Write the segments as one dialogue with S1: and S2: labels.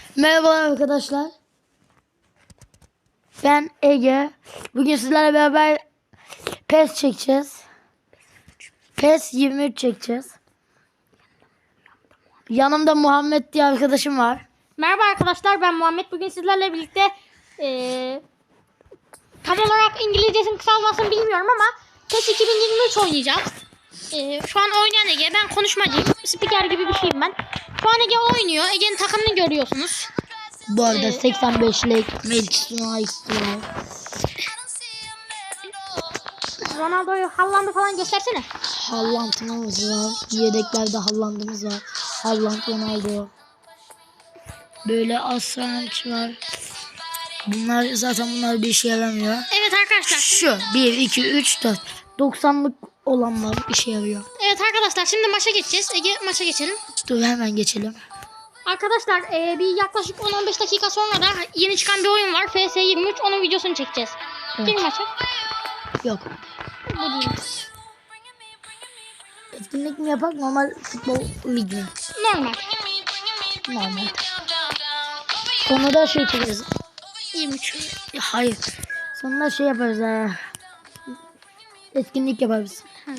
S1: Merhaba arkadaşlar. Ben Ege. Bugün sizlerle beraber PES çekeceğiz. PES 23 çekeceğiz. Yanımda Muhammed diye arkadaşım var.
S2: Merhaba arkadaşlar, ben Muhammed. Bugün sizlerle birlikte tam olarak İngilizcesinin kısaltmasını bilmiyorum ama PES 2023 oynayacağız. Şu an oynayan Ege. Ben konuşmacıyım. Spiker gibi bir şeyim ben. Şu an Ege oynuyor. Ege'nin takımını görüyorsunuz.
S1: Bu arada 85'lik Manchester United.
S2: Ronaldo'yu, Haaland'ı falan göstersene.
S1: Haaland'ımız var. Yedeklerde Haaland'ımız var. Haaland, Ronaldo. Böyle Aslanç var. Bunlar bir işe yaramıyor.
S2: Evet arkadaşlar.
S1: Şu 1, 2, 3, 4. 90'lık olanlar işe yarıyor.
S2: Evet arkadaşlar, şimdi maça geçeceğiz. Ege, maça geçelim.
S1: Dur hemen geçelim.
S2: Arkadaşlar bir yaklaşık 10-15 dakika sonra da yeni çıkan bir oyun var. FS 23. Onun videosunu çekeceğiz.
S1: Evet.
S2: Değil mi maça?
S1: Yok.
S2: Bu değil.
S1: Etkinlik mi yapak, normal futbol ligi mi?
S2: Normal.
S1: Normal. Sonra da şey çekeriz.
S2: 23.
S1: Hayır. Sonra şey yaparız. Etkinlik yaparız.
S2: Hı.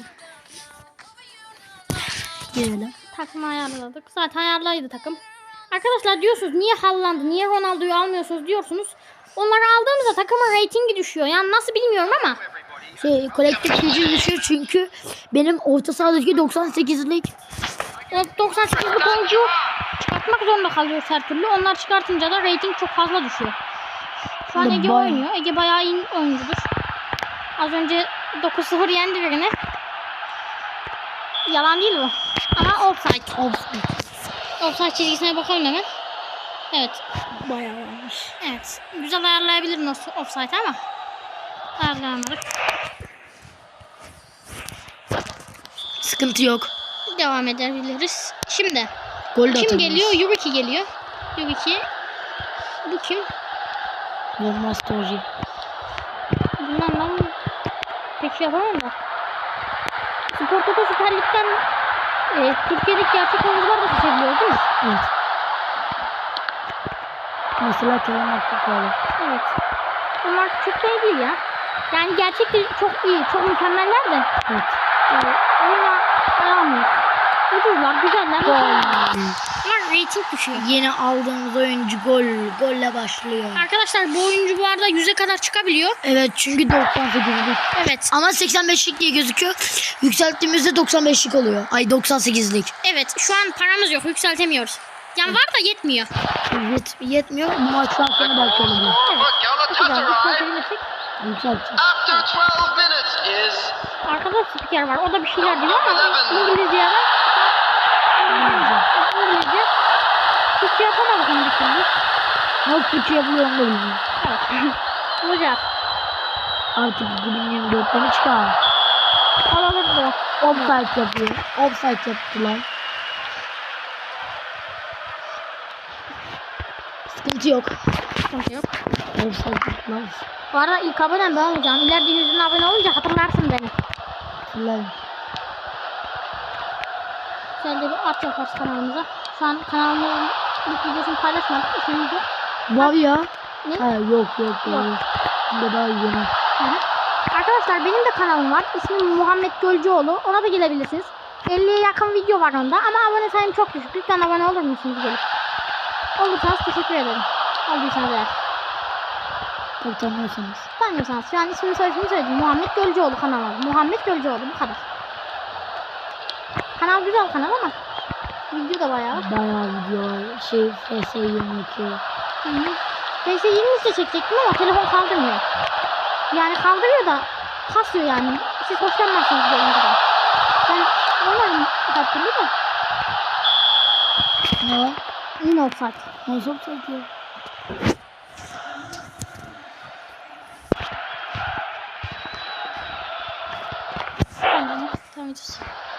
S1: Girelim.
S2: Takımı ayarladık. Zaten ayarlıydı takım. Arkadaşlar diyorsunuz niye Haaland'ı, niye Ronaldo'yu almıyorsunuz diyorsunuz. Onları aldığımızda takımın reytingi düşüyor. Yani nasıl bilmiyorum ama.
S1: Kolektif gücü düşüyor çünkü benim orta sahadaki 98'lik.
S2: O 98'lik oyuncu çıkartmak zorunda kalıyoruz her türlü. Onlar çıkartınca da reyting çok fazla düşüyor. Şu an Ege oynuyor. Ege bayağı iyi oyuncudur. Az önce 9-0 yendi birini. Yalan değil bu. Ama offside. Offside çizgisine bakalım hemen. Evet.
S1: Bayağı varmış.
S2: Evet. Güzel ayarlayabilirim offside ama ayarlayamadık.
S1: Sıkıntı yok.
S2: Devam edebiliriz. Şimdi
S1: Gol de
S2: kim
S1: atabiliriz.
S2: geliyor? Yubiki geliyor. Yubiki. Bu kim?
S1: Olmaz Toji.
S2: Bundan ben pek şey yapamam da. Spor Toto Süper Lig'den Türkiye'deki gerçek oyuncular da seçebiliyor değil mi?
S1: Evet. Mesela Kerem Aktürkoğlu.
S2: Evet. Bunlar çok da iyi değil ya. Yani gerçekten çok iyi, çok mükemmeller de.
S1: Evet.
S2: Oyuna aramıyoruz. Ucuzlar, güzeller.
S1: Gol.
S2: Ama reyting düşüyor.
S1: Yeni aldığımız oyuncu golle başlıyor.
S2: Arkadaşlar bu oyuncu bu arada 100'e kadar çıkabiliyor.
S1: Evet çünkü 98'lik.
S2: Evet.
S1: Ama 85'lik diye gözüküyor. Yükselttiğimizde 95'lik oluyor. Ay 98'lik.
S2: Evet, şu an paramız yok, yükseltemiyoruz. Yani var da yetmiyor.
S1: Yetmiyor. Bu maçtan sonra belki olabilir. Yükselteceğiz.
S3: After 12 minutes is
S2: Arkada spiker var. O da bir şeyler diyor ama İngilizce var. İngilizce. Türkçe yapamadık onu bir türlü.
S1: Nasıl Türkçe yapılıyor onu da bilmiyorum.
S2: Evet. Bulacağız.
S1: Artık 2024'te mi çıkar?
S2: Alalım da.
S1: Offside yapıyor. Offside yaptılar. Sıkıntı yok.
S2: Sıkıntı yok.
S1: Offside yaptılar.
S2: Bu arada ilk abonem ben olacağım. İleride 100'ün abone olunca hatırlarsın beni.
S1: Hatırlayın.
S2: Güzel de bir at yaparız kanalımıza. Şu an kanalımızın ilk videosunu paylaşmadık. İsmimizi.
S1: Var ya.
S2: Ne?
S1: Ha, yok. Bunda daha yeni.
S2: Hı hı. Arkadaşlar benim de kanalım var. İsmim Muhammed Gölcüoğlu. Ona da gelebilirsiniz. 50'ye yakın video var onda. Ama abone sayım çok düşük. Lütfen abone olur musunuz gelip? Olursanız teşekkür ederim. Olduysanız eğer.
S1: Tabii tanıyorsanız.
S2: Tanıyorsanız. Şu an ismini soyisini söyledim. Muhammed Gölcüoğlu kanalı. Muhammed Gölcüoğlu. Bu kadar. Kanal güzel kanal ama video da bayağı.
S1: Bayağı video var. FS 22.
S2: PS 20 de çekecektim ama telefon kaldırmıyor. Yani kaldırıyor da kasıyor yani. Siz hoşlanmazsınız bu oyuncudan. Ben oynarım her türlü de.
S1: Ne var?
S2: Yine offside.
S1: Nasıl offside ya?
S2: Tamam ediyoruz.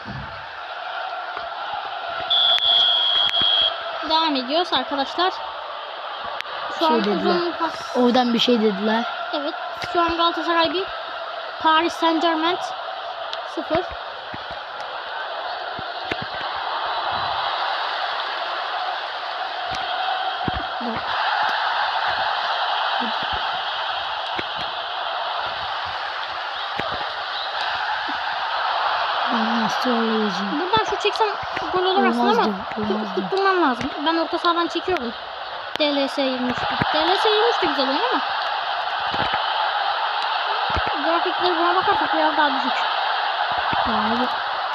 S2: Devam ediyoruz arkadaşlar. Şu an uzun pas.
S1: Oradan bir şey dediler.
S2: Evet. Şu an Galatasaray 1. Paris Saint-Germain 0.
S1: Nasıl olacak?
S2: Buradan şu çeksem gol olur aslında ama
S1: Olmazdı.
S2: tutturmam lazım. Ben orta sahadan çekiyorum. DLS 23. DLS 23 de güzel oyun ama grafikleri buna bakarsak biraz daha düşük.
S1: Abi.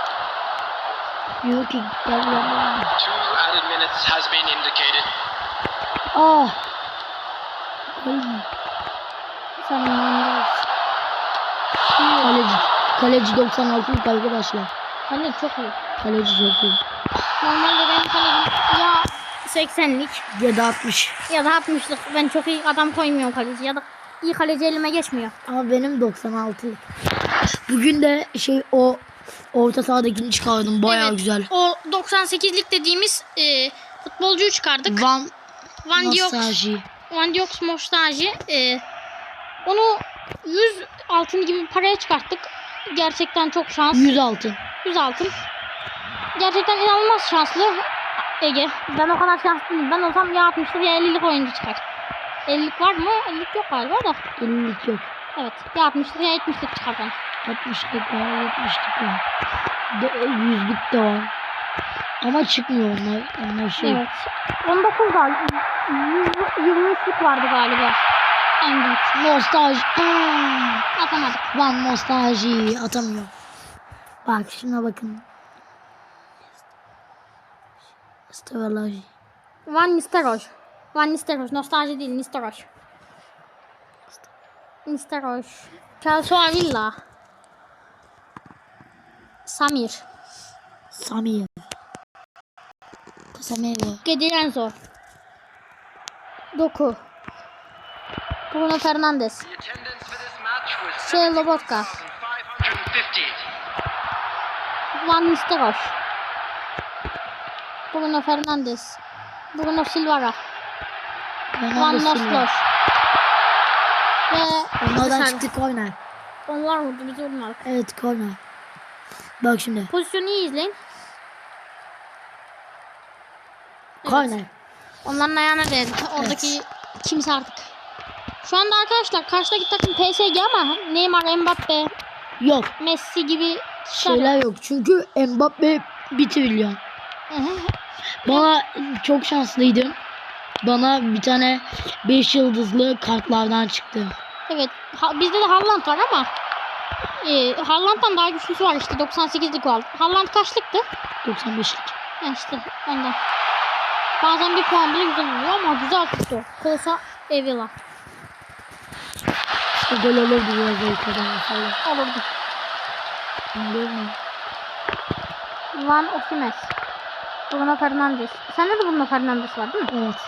S1: Yok ki gel yanıma.
S3: 2 added minutes has been indicated.
S1: Ah. Ay.
S2: Sen inanılmaz.
S1: Kaleci. Kaleci 96'lık arkadaşlar.
S2: Hani çok iyi.
S1: Kaleci çok iyi.
S2: Normalde benim kalecim ya 80'lik
S1: Ya da 60.
S2: ya da 60'lık. Ben çok iyi adam koymuyorum kaleci ya da iyi kaleci elime geçmiyor.
S1: Ama benim 96'lık. Bugün de o orta sahadakini çıkardım. Bayağı
S2: Evet,
S1: güzel.
S2: O 98'lik dediğimiz futbolcuyu çıkardık. Van Diox.
S1: Nostalji.
S2: Van Diox Mostaji. Onu 100 altın gibi bir paraya çıkarttık. Gerçekten çok şans.
S1: 100 altın.
S2: 100 altın. Gerçekten inanılmaz şanslı Ege. Ben o kadar şanslı değilim. Ben olsam ya 60'lık ya 50'lik oyuncu çıkar. 50'lik var mı? 50'lik yok galiba da.
S1: 50'lik yok.
S2: Evet. Ya 60'lık ya 70'lik çıkar bana.
S1: 60'lık var, 70'lik var. 100'lük de var. Ama çıkmıyor onlar. Onlar şey.
S2: Evet. 19 galiba. 123'lük vardı galiba. En büyük.
S1: Nostalji.
S2: Atamadık.
S1: Van nostalji atamıyor. Bak şuna bakın. Nostalji.
S2: Van Nistelrooy. Van Nistelrooy. Nostalji değil. Nistelrooy. Nistelrooy. Kelso Avila. Samir.
S1: Samir. Samir.
S2: Gedirenzo. Doku. Bruno Fernandes.
S3: The attendance for this match was
S2: Şey Lobotka.
S3: 7,550.
S2: Van Nistelrooy. Bruno Fernandes. Bruno Silva. Van Nostos. Ve
S1: Onlardan
S2: Sen-
S1: çıktı korner.
S2: Onlar vurdu biz vurmadık.
S1: Evet korner. Bak şimdi.
S2: Pozisyonu iyi izleyin. Evet.
S1: Korner.
S2: Onların ayağına değdi. Oradaki kimse artık. Şu anda arkadaşlar karşıdaki takım PSG ama Neymar, Mbappe,
S1: Yok.
S2: Messi gibi
S1: Şeyler yok. Çünkü Mbappe 1 trilyon. Bana çok şanslıydım. Bana bir tane 5 yıldızlı kartlardan çıktı.
S2: Evet. Bizde de Haaland var ama Haaland'dan daha güçlüsü var işte 98'lik oldu. Haaland kaçlıktı?
S1: 95'lik.
S2: İşte ondan. Bazen bir puan bile güzel oluyor ama güzel tuttu. Kolsa Evila.
S1: İşte gol olurdu biraz o kadar mesela.
S2: Olurdu.
S1: Görmüyorum.
S2: Van Osimes. Bruno Fernandes. Sende de Bruno Fernandes var değil mi?
S1: Evet.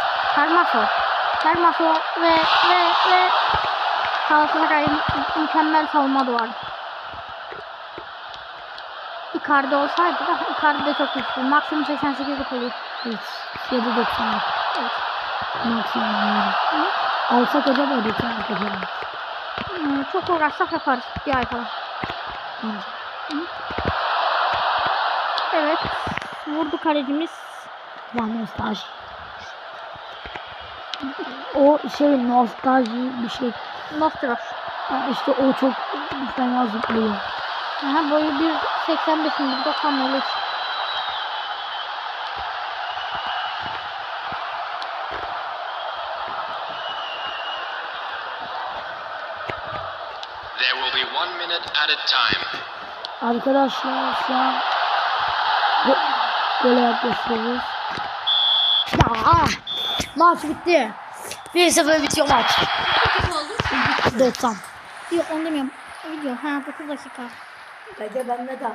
S2: Hermaso ve Galatasaray'ın mükemmel savunma duvarı. Icardi olsaydı da Icardi de çok güçlü. Maksimum 88'lik oluyor.
S1: Evet. Ya da 90'lık.
S2: Evet.
S1: Maksimum yani. Alsak acaba 90'lık yapalım.
S2: Çok uğraşsak yaparız bir ay falan.
S1: Bence.
S2: Evet. Vurdu kalecimiz.
S1: Van nostalji. O şey nostalji bir şey.
S2: Nostros.
S1: İşte o çok fena zıplıyor.
S2: Aha, boyu 1.85'in 1.90 olur.
S3: There will be 1 minute at a time.
S1: Arkadaşlar şu an böyle yaklaşıyoruz. Maç bitti. 1-0 bitiyor maç. 90.
S2: Yok onu demiyorum. Video. Ha 9 dakika.
S1: Peki ben ne de?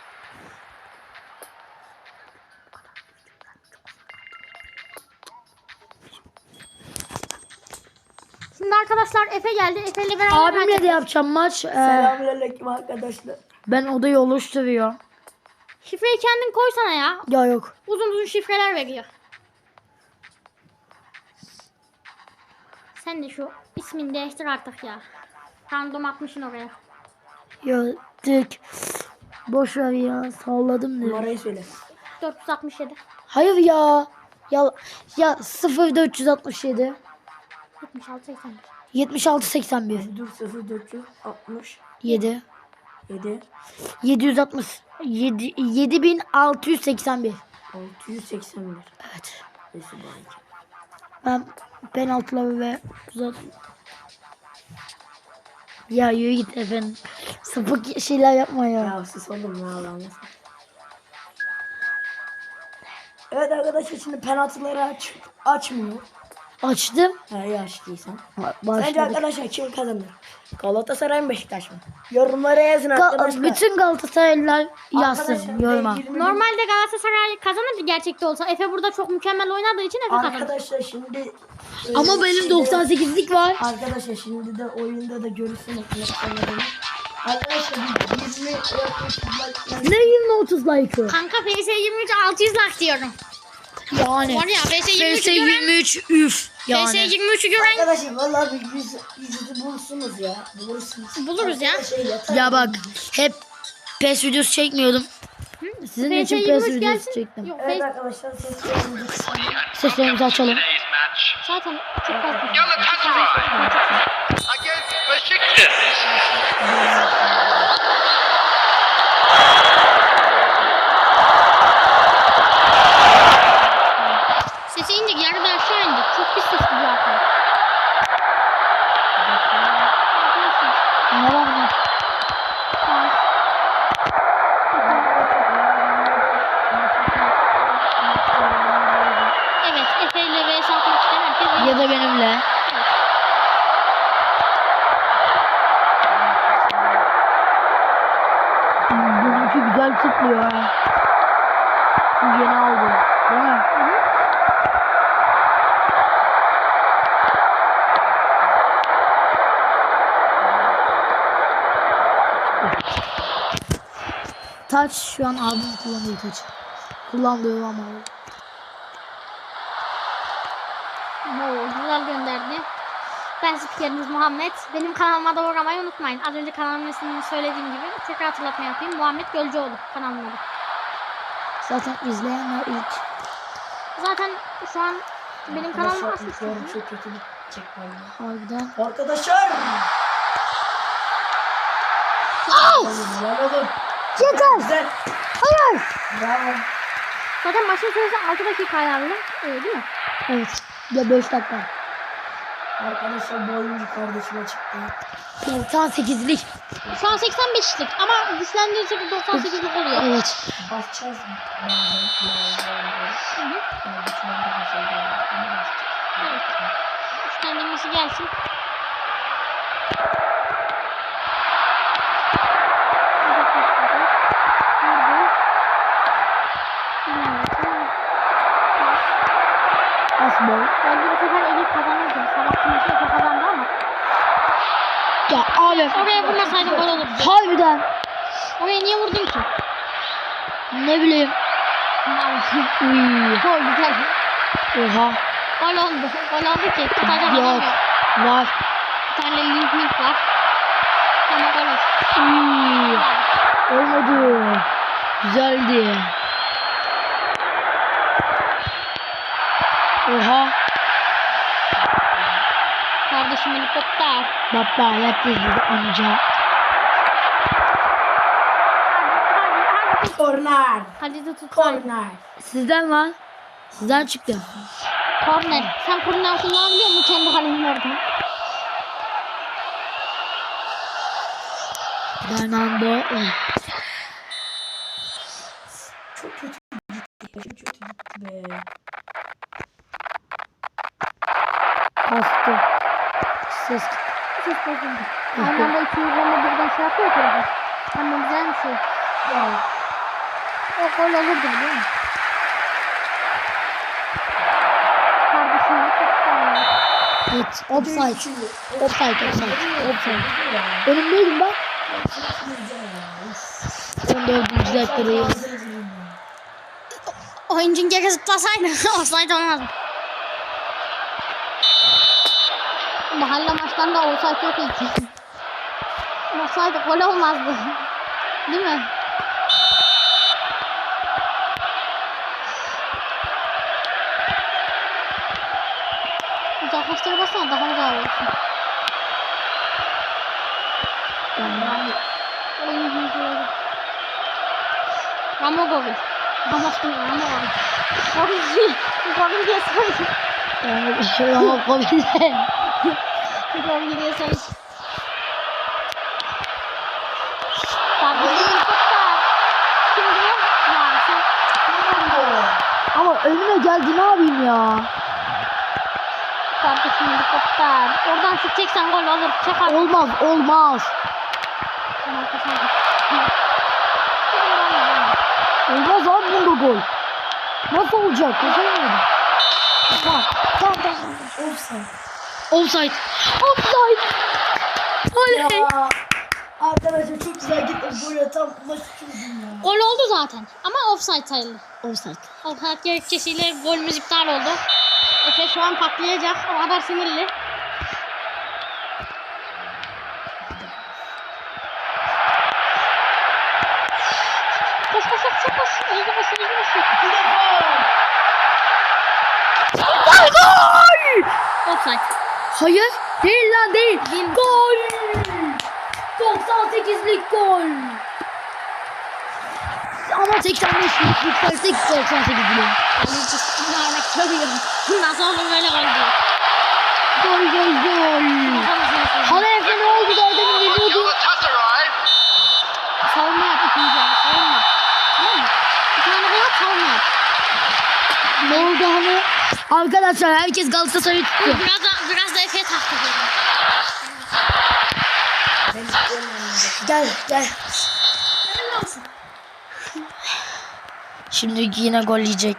S2: Şimdi arkadaşlar Efe geldi. Efe ile beraber maç
S1: Abimle de yapacağım maç.
S4: Selamünaleyküm arkadaşlar.
S1: Ben odayı oluşturuyor.
S2: Şifreyi kendin koysana ya.
S1: Ya yok.
S2: Uzun uzun şifreler veriyor. Sen de şu ismini değiştir artık ya. Random atmışsın oraya.
S1: Ya tek. Boş ver ya. Salladım diye.
S4: Numarayı söyle.
S2: 467.
S1: Hayır ya. Ya 0467
S2: 76 81.
S1: 76 81
S4: Dur 0460
S1: 7
S4: 7
S1: 760 7681.
S4: 681.
S1: Evet.
S4: Neyse belki.
S1: Ben penaltıları ve uzat. Ya yürü git efendim. Sapık şeyler yapma ya.
S4: Ya sus oğlum ya Allah'ım. Evet arkadaşlar şimdi penaltıları açmıyor.
S1: Açtım.
S4: Ha iyi açtıysan. Sence
S1: Başladık.
S4: arkadaşlar kim kazanır? Galatasaray mı Beşiktaş mı? Yorumlara yazın arkadaşlar.
S1: Bütün Galatasaraylılar yazsın
S4: Arkadaşlar,
S1: yoruma.
S4: 20 bin
S2: Normalde Galatasaray kazanırdı gerçekte olsa. Efe burada çok mükemmel oynadığı için Efe kazanır.
S4: Arkadaşlar şimdi
S1: Ama benim
S4: şimdi-
S1: 98'lik var.
S4: Arkadaşlar şimdi de oyunda da görürsünüz. Arkadaşlar 20
S1: Ne 20-30 like'ı?
S2: Kanka PS 23 600 like diyorum.
S1: Yani.
S2: Var ya PS 23'ü
S1: PS
S2: gören
S1: 23 üf.
S2: PS
S1: Yani.
S2: 23'ü gören
S4: Arkadaşlar vallahi bir yüzü bulursunuz ya.
S2: Buluruz ya.
S1: Ya bak hep PES videosu çekmiyordum. Sizin
S2: PS
S1: için
S2: 23
S1: PES videosu
S2: gelsin.
S1: çektim.
S2: Yok
S4: Evet
S2: PS
S4: arkadaşlar seslerimizi
S1: Seslerimizi açalım.
S3: Today's match.
S2: zaten çok fazla.
S3: Galatasaray against Besiktas.
S2: Sesi indik yarıda aşağı indik. Çok pis ses gidiyor arkaya.
S1: Ne var ne?
S2: Evet Efe ile vs atmak isteyen herkes
S1: Ya da benimle. Benimki güzel tıklıyor ha. Şu yeni aldım. Değil mi? Taç şu an abim kullandığı taç. Kullandığı ama.
S2: Güzel gönderdi. Ben spikeriniz Muhammed. Benim kanalıma da uğramayı unutmayın. Az önce kanalımın ismini söylediğim gibi tekrar hatırlatma yapayım. Muhammed Gölcüoğlu kanalımın adı.
S1: Zaten izleyenler ilk.
S2: Zaten şu an benim kanalım aslında.
S4: çok kötü çekmem.
S1: Harbiden.
S4: Arkadaşlar. Bravo.
S1: Yeter.
S4: Güzel.
S1: Hayır.
S4: Bravo.
S2: Zaten maçın süresi 6 dakika ayarlı. Öyle değil mi?
S1: Evet. Ya 5 dakika.
S4: Arkadaşlar bu oyuncu kardeşime çıktı.
S1: 98'lik.
S2: Şu an 85'lik ama güçlendirici 98'lik oluyor.
S1: Evet.
S4: Basacağız bazen.
S2: Evet. Güçlendirmesi gelsin.
S1: Asbol.
S2: Bence bu sefer Elif kazanırdı. Sabah kimisi Efe kazandı ama.
S1: Ya abi.
S2: Oraya vurmasaydın gol olurdu.
S1: Harbiden.
S2: Oraya niye vurdun ki?
S1: Ne bileyim. Uy.
S2: Gol güzel.
S1: Oha.
S2: Gol oldu. Gol oldu ki. Tutacak adam
S1: Yok.
S2: yok.
S1: Var.
S2: Bir tane link var. Ama gol oldu.
S1: Uy. Olmadı. Güzeldi. Oha.
S2: Kardeşim helikopter.
S1: Baba yap dedi amca.
S4: Korner.
S2: Hadi de tut.
S4: Korner.
S1: Sizden var. Sizden çıktı.
S2: Korner. Sen korner kullanabiliyor musun kendi kalenin oradan?
S1: Fernando.
S4: Çok kötü gitti be.
S1: Kastı. Ses.
S2: Ses bozuldu. Aynı anda 220 birden şey yapıyor ki. Ama güzel bir şey.
S4: Ya.
S2: O gol olurdu biliyor musun? Kardeşim helikopter.
S1: Evet. Offside. Offside. Önümdeydim bak. 14. dakikadayız.
S2: Oyuncun geri zıplasaydı offside olmazdı. Mahalle maçlarında offside yok ilk. Offside gol olmazdı. Değil mi? Uzaklaştır basana daha uzağa olsun. Ramo Gobi. Ramos değil, Ramo Gobi. Gobi diye sayın.
S1: Ama komple.
S2: Gobi diye sayın. Tabii helikopter. Şimdi ya sen
S1: Ama önüme geldi, ne yapayım ya?
S2: kardeşim helikopter. Oradan çekeceksen gol olur. Çek abi.
S1: Olmaz, olmaz.
S2: Tamam, kaçalım.
S1: Olmaz abi bunda gol. Nasıl olacak? Kazanamadım. Tamam.
S4: Offside.
S1: Offside. Offside. Oley.
S4: Ya. Arkadaşlar çok güzel gittim. Böyle tam maçı çözdüm ya.
S2: Gol oldu zaten ama offside sayıldı.
S1: Offside.
S2: Offside gerekçesiyle golümüz iptal oldu. Efe şu an patlayacak. O kadar sinirli. Koş koş koş koş koş. Hızlı koş hızlı koş.
S4: Bir defa.
S1: Gol!
S2: Offside.
S1: Hayır. Değil lan, değil. Gol. 98'lik gol. Ama 85'lik yüksersek 98 diyorum.
S2: Kaleci sinirlenmek söylüyorum. Nasıl olur böyle gol diyor.
S1: Gol. Hala Efe ne oldu da adamı geliyordu.
S3: Galatasaray.
S2: Savunma yap ikinci yarı. Savunma. Tamam mı? Bir tane gol at savunma yap.
S1: Ne oldu hani? Arkadaşlar herkes Galatasaray'ı tutuyor.
S2: Biraz da Efe'ye taktik edin.
S1: Gel. Şimdi yine gol yiyecek.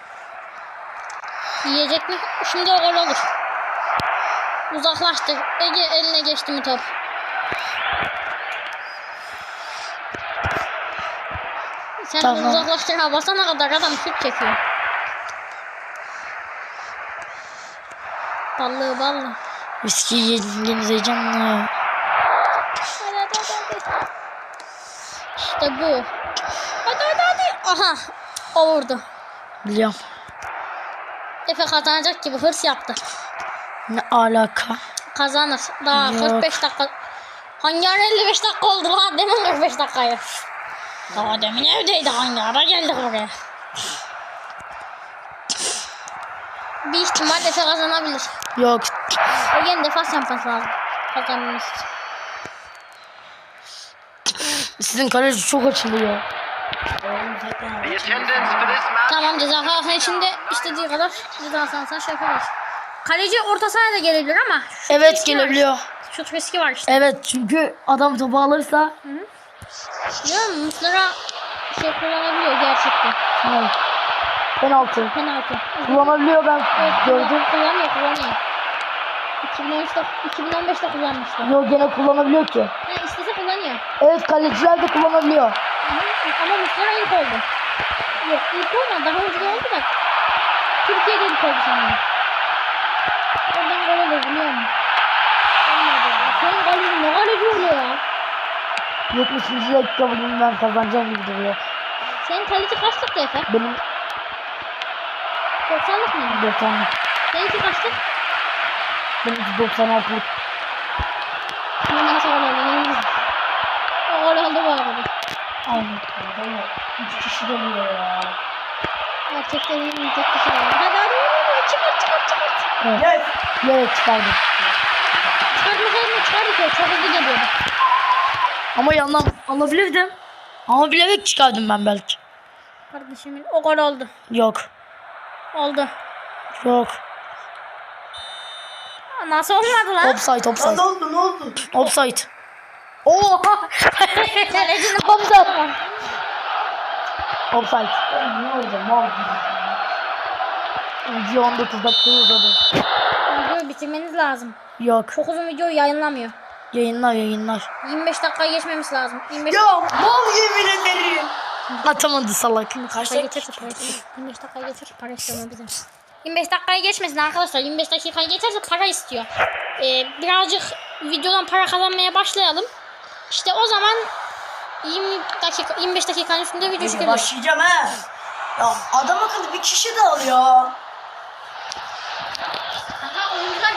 S2: Yiyecek mi? Şimdi o gol olur. Uzaklaştı. Ege eline geçti mi top? Sen
S1: Tamam.
S2: uzaklaştır ha basana kadar adam şut çekiyor. Ballı.
S1: Viski yenileceğim.
S2: Hadi. İşte bu. Hadi. Aha. O vurdu.
S1: Biliyorum.
S2: Efe kazanacak gibi hırs yaptı.
S1: Ne alaka?
S2: Kazanır. Daha
S1: Yok.
S2: 45 dakika. Hangi ara 55 dakika oldu lan? Demin 45 dakikayı. Daha demin evdeydi, hangi ara geldik oraya. Bir ihtimal Efe kazanabilir.
S1: Yok.
S2: Ege'nin defans yapması lazım. Kazanması için.
S1: Sizin kaleci çok açılıyor.
S3: The attendance for this match.
S2: Tamam, ceza sahasının içinde istediği kadar ceza sahasına şey yapabilir. Kaleci orta sahaya da gelebilir ama
S1: Evet,
S2: riski var.
S1: gelebiliyor.
S2: Şut riski var işte.
S1: Evet, çünkü adam topu alırsa
S2: Biliyor musun? Muslera şey kullanabiliyor gerçekten.
S1: ne? Penaltı.
S2: Penaltı.
S1: Kullanabiliyor, ben gördüm.
S2: Kullanıyor. 2015'te kullanmıştı.
S1: Yok, gene kullanabiliyor ki.
S2: Ha, istese kullanıyor.
S1: Evet, kaleciler de kullanabiliyor.
S2: Ama Muslera ilk oldu. Yok, ilk olmadı. Daha önce de oldu da. Türkiye'de ilk oldu sanırım. Oradan gol olur, biliyor musun? Olmadı. Senin golün ne kaleci oluyor ya?
S1: 70. dakika bugün ben kazanacağım gibi duruyor.
S2: Senin kaleci kaçlıktı Efe?
S1: Benim
S2: 90'lık mıydı?
S1: 90'lık.
S2: Seninki kaçlık?
S1: Benim 96'lık.
S2: Bundan sonra gol oldu. O gol oldu bu arada.
S1: Aynen.
S4: 3 kişi geliyor ya.
S2: Gerçekten iyi tek kişi var. Hadi. Çıkart.
S1: Evet.
S4: Gel.
S1: Evet, çıkardım.
S2: Çıkartmasaydın çıkardık ya. Çok hızlı geliyordu.
S1: Ama yandan alabilirdim. Ama bilerek çıkardım ben belki.
S2: Kardeşimin o gol oldu.
S1: Yok.
S2: Oldu.
S1: Yok.
S2: Nasıl olmadı lan?
S1: Offside.
S4: Lan ne oldu?
S1: Offside. Oha!
S2: Kalecinin
S1: Offside. Offside.
S4: Ne oldu? Mal gibi.
S1: Video 19 dakika uzadı.
S2: Videoyu bitirmeniz lazım.
S1: Yok.
S2: Çok uzun videoyu yayınlamıyor.
S1: Yayınlar.
S2: 25 dakikayı geçmemiz lazım. 25
S4: Ya mal yemin ederim.
S1: Atamadı salak.
S2: dakikayı geçerse para istiyor. 25 dakikayı geçerse para istiyor mu bizim? 25 dakikayı geçmesin arkadaşlar. 25 dakikayı geçerse para istiyor. Birazcık videodan para kazanmaya başlayalım. İşte o zaman 25 dakikanın üstünde video
S4: Hadi
S2: çıkıyor.
S4: başlayacağım ha. Ya adam akıllı bir kişi de al ya.
S2: Aha, oyuncular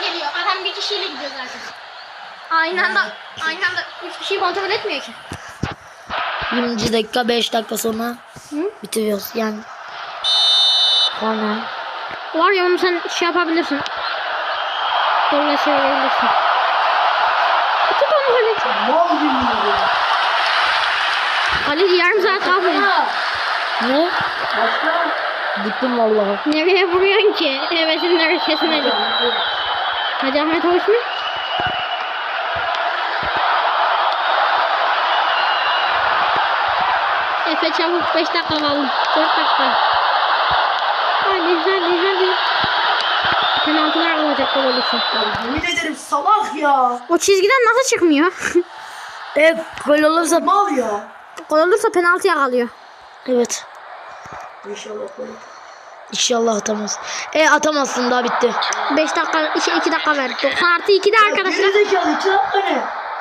S2: bir kişiyle gidiyoruz artık. Aynı anda 3 kişiyi kontrol etmiyor ki.
S1: 20. dakika 5 dakika sonra bitiriyoruz yani. Korner.
S2: Var ya onu sen şey yapabilirsin. Golle çevirebilirsin. Tut onu Halil.
S4: Mal gibi.
S2: Halil yarım saat kalmıyor.
S1: Ne?
S4: Başka?
S1: Gittim vallahi.
S2: Nereye vuruyorsun ki? Hevesin neresine dik. Hadi Ahmet hoş mu? Efe çabuk 5 dakika kaldı. 4 dakika. Hadi. Penaltılar olacak gol olursa.
S4: Yemin ederim salak ya.
S2: O çizgiden nasıl çıkmıyor?
S1: Gol olursa
S4: Mal ya.
S2: Gol olursa penaltıya kalıyor.
S1: evet.
S4: İnşallah böyle.
S1: İnşallah atamaz. Atamazsın daha bitti.
S2: 5 dakika, 2 dakika ver. 90 artı 2 de arkadaşlar.
S4: Gerizekalı 2 dakika ne?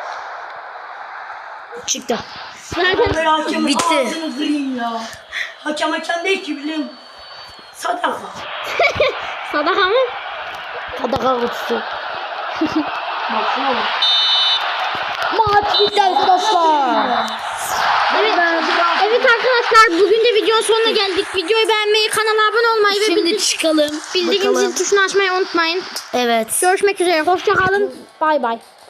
S1: Çıktı.
S2: Zaten
S4: Ben hakemin
S1: Bitti.
S4: ağzını kırayım ya. Hakem değil ki bileyim. Sadaka.
S2: sadaka mı?
S1: Kadaka kutusu.
S4: Baksana bak.
S1: Maç bitti arkadaşlar.
S2: Evet arkadaşlar bugün de videonun sonuna geldik. Videoyu beğenmeyi, kanala abone olmayı ve
S1: Şimdi çıkalım.
S2: bildirim zil tuşunu açmayı unutmayın.
S1: Evet.
S2: Görüşmek üzere. Hoşça kalın. Bay bay.